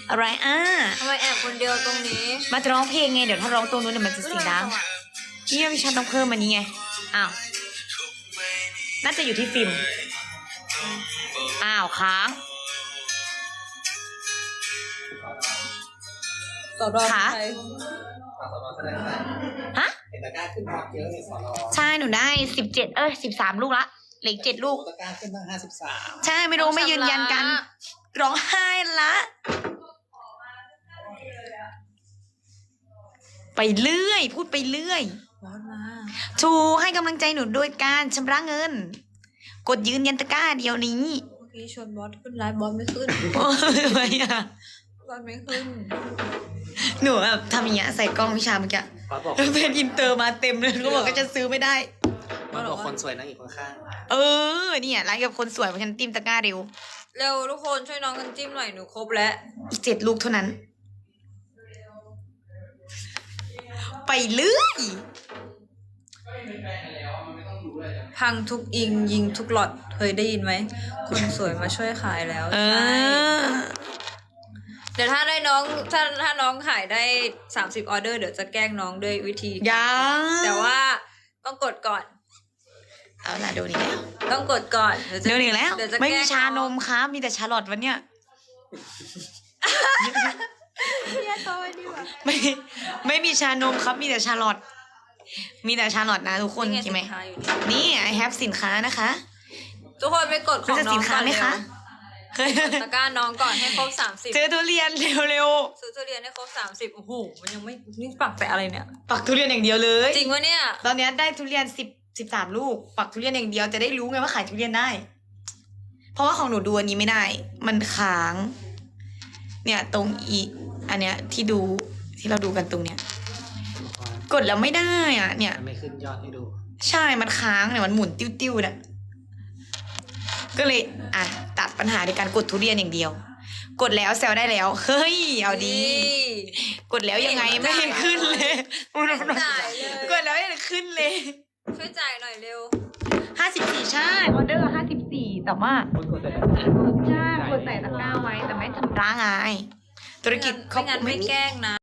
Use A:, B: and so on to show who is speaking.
A: อะไร
B: ทำไมแอบคนเดียวตรงนี้
A: มาจะร้องเพลงไงเดี๋ยวถ้าร้องตรงนู้นเดี๋ยวมันจะเสียงดังนี่วิชาต้องเพิ่มมันนี้ไงอ้าวน่าจะอยู่ที่ฟิล์มอ้าวค้าง
B: สอดอ
A: ค่ะฮะ
C: เห็นตะกร้าขึ้นฮอตเยอะในสอนอ
A: ใช่หนูได้13 ลูกละเหลือ7 ลูก
C: ตะกร้าขึ้นตั้ง53
A: ใช่ไม่รู้ไม่ยืนยันกันร้องไห้ละไปเรื่อยพูดไปเรื่อย
B: บอสมา
A: ชูให้กำลังใจหนูด้วยการชำระเงิน กดยืนยันตะกร้าเดียวนี้
B: เมื่อกี้ชวนบอสขึ้นไลฟ์บอสไม่ขึ้น
A: โอ้ยทำไมอ่ะ
B: บอสไม่ขึ้น
A: หนูแบบทำอย่างเงี้ยใส่กล้องวิชาเมื่อกี้
C: บอสบอก
A: แล้วเป็นอินเตอร์มาเต็มเลยเขาบอกก็จะซื้อไม่ได้
C: บอสบอกคนสวยนั่งอยู่ข้าง
A: เออเนี่ยร้านกับคนสวยเพราะฉันติ้มตะกร้าเร็ว
B: เร็วทุกคนช่วยน้องกันจิ้มหน่อยหนูครบแล้ว
A: อีก7 ลูกเท่านั้น ไปเรื่อย
B: พังทุกอิงยิงทุกหลอดเคยได้ยินไหมคนสวยมาช่วยขายแล้ว
A: เอ
B: ใช่
A: อ
B: เดี๋ยวถ้าได้น้องถ้าน้องขายได้30 ออเดอร์เดี๋ยวจะแกล้งน้องด้วยวิธี
A: ยัง
B: แต่ว่าต้องกดก่อน
A: เอาล่ะดูนี่แล้ว
B: ต้องกดก่อนเดี๋ยวจะ
A: เดี๋ยวนี้แล้ว
B: เดี๋ยวจะ
A: ไม่มี
B: แกล้ง
A: ชานมครับมีแต่ชาลอตวันเนี้ย
B: เนี่ยต่อไปดีกว่า
A: ไม่มีชานมครับมีแต่ชาลอตมีแต่ชาลอตนะทุกคน
B: นี่
A: ใช่ไหม
B: สินค้าอยู่นี่
A: นี่ไอแฮปสินค้านะคะ
B: ทุกคนไปกดของ
A: รู้จัก
B: น้อ
A: สิ
B: ง
A: นค้า
B: ก่อน
A: ไหม
B: เร็ว
A: คะ
B: ตะกร้าน้องก่อนให้ครบ30
A: เจอทุเรียนเร็ว
B: ซื้อทุเรียนให้ครบ30โอ้โหมันยังไม่นี่ปักแต่อะไรเนี่ย
A: ๆปักทุเรียนอย่างเดียวเลย
B: จริงวะเนี่ย
A: ตอนเนี้ยได้ทุเรียน13 ลูก ปักทุเรียนอย่างเดียวจะได้รู้ไงว่าขายทุเรียนได้ เพราะว่าของหนูดูอันนี้ไม่ได้ มันค้าง เนี่ยตรงอีอันเนี้ยที่ดูที่เราดูกันตรงเนี้ย
C: ๆ
A: กดแล้วไม่ได้อ่ะ เนี่ย
C: มันไม่ขึ้นยอดให้ดู
A: ใช่มันค้างเนี่ยมันหมุนติ้วๆเนี่ยก็เลยอ่ะตัดปัญหาในการกดทุเรียนอย่างเดียว กดแล้วแซวได้แล้ว เฮ้ยเอาดี กดแล้วยังไงไม่เห็นขึ้นเลย
B: จ่ายเลย
A: กดแล้วไม่เห็นขึ้นเลย
B: ช่วยจ่ายหน่อยเร็ว
A: 54ใช่ออเดอร์54แต่ว่า
C: คนกดแต่
A: ใช่กดใส่ตะกร้าไว้แต่ไม่ชำระไงธุรกิจเขา
B: ไม่งั้นไม่แกล้งนะ